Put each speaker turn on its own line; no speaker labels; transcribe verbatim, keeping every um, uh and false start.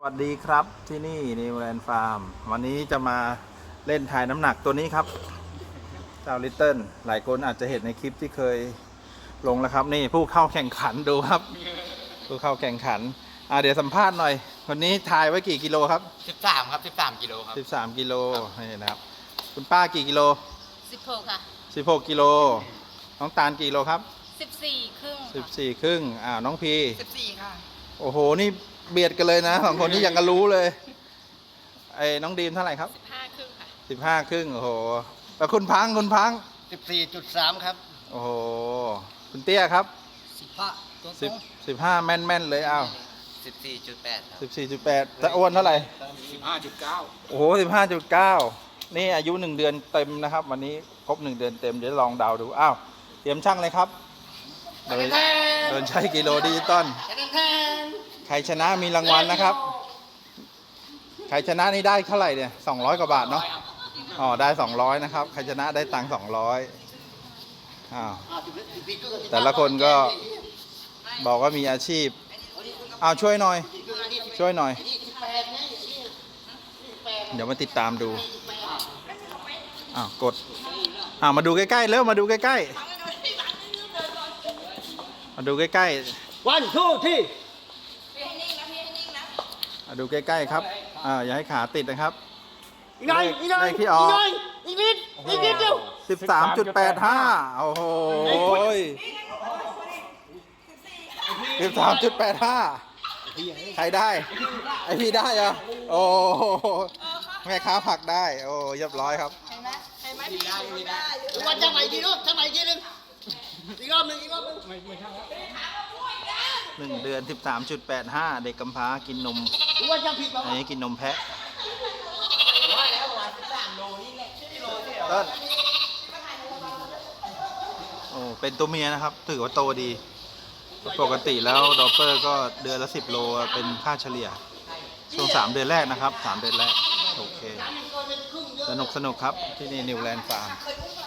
สวัสดีครับที่นี่นิวแลนด์ฟาร์มวันนี้จะมาเล่นทายน้ำหนักตัวนี้ครับเจ้าลิตเติ้ลหลายคนอาจจะเห็นในคลิปที่เคยลงแล้วครับนี่ผู้เข้าแข่งขันดูครับ ผู้เข้าแข่งขันอ่าเดี๋ยวสัมภาษณ์หน่อยวันนี้ทายไว้กี่กิโลครับ
สิบสามครับสิบสามกิโลครับ
สิบสามกิโลนี่นะครับคุณป้ากี่กิโล
สิบหกค่ะ
สิบหกกิโลน้องตาลกี่โลครับ
สิบสี่ครึ่ง
สิบสี่ครึ่งอ่าน้องพี
สิบสี่ค่ะ
โอ้โหนี่เบียดกันเลยนะสองคนนี้ยังกันรู้เลยไอ้น้องดีมเท่าไหร่ครับ
สิบห้าครึ่งค่ะ
สิบห้าครึ่งโอ้โหแล้วคุณพังคุณพัง
สิบสี่จุดสามครับ
โอ้โหคุณเตี้ยครับ
สิบห้าตัว
สิบสิบห้าแม่นแม่นเลยอ้าว
สิบสี่จุดแปด
สิบสี่จุดแปดจะอ้วนเท่าไหร่
สิบห้าจุดเก้า
โอ้โหสิบห้าจุดเก้านี่อายุหนึ่งเดือนเต็มนะครับวันนี้ครบหนึ่งเดือนเต็มเดี๋ยวลองเดาดูอ้าวเตรียมช่างเลยครับโดยโดยใช้กิโลดิจิตอลใครชนะมีรางวัลนะครับใครชนะนี่ได้เท่าไหร่เนี่ยสองร้อยกว่าบาทเนาะอ๋อได้สองร้อยนะครับใครชนะได้ตังค์สองร้อยอ้าวแต่ละคนก็บอกว่ามีอาชีพอ้าวช่วยหน่อยช่วยหน่อยเดี๋ยวมาติดตามดูอ้าวกดอ้าวมาดูใกล้ๆเร็วมาดูใกล้ๆมาดูใกล้ๆ
วันทูที่
มาดูใกล้ๆครับอ่าอย่าให้ขาติดนะครับ
อีกหน่อยอีกหน่อย
ที่ออก
อีกนิดอีกนิดเดียว
สิบสามจุดแปดห้าโอ้โหสิบสามจุดแปดห้าใครได้ไอพี่ได้เหรอโอ้แม่ค้าผักได้โอ้เรียบร้อยครับ
เห็นไหมเห็นไหมพี่ได้พี่ได้
วันจะไหนดีลูกจะไหนดีนึงอีกรอบนึงอีกรอบนึง
หนึ่งเดือนสิบสามจุดแปดห้าเด็กกำพร้ากินนมอันนี้กินนมแพะต้นโอ้เป็นตัวเมียนะครับถือว่าโตดีปกติแล้วดอปเปอร์ก็เดือนละสิบโลเป็นค่าเฉลี่ยช่วงสามเดือนแรกนะครับสามเดือนแรกโอเคสนุกสนุกครับที่นี่นิวแลนด์ฟาร์ม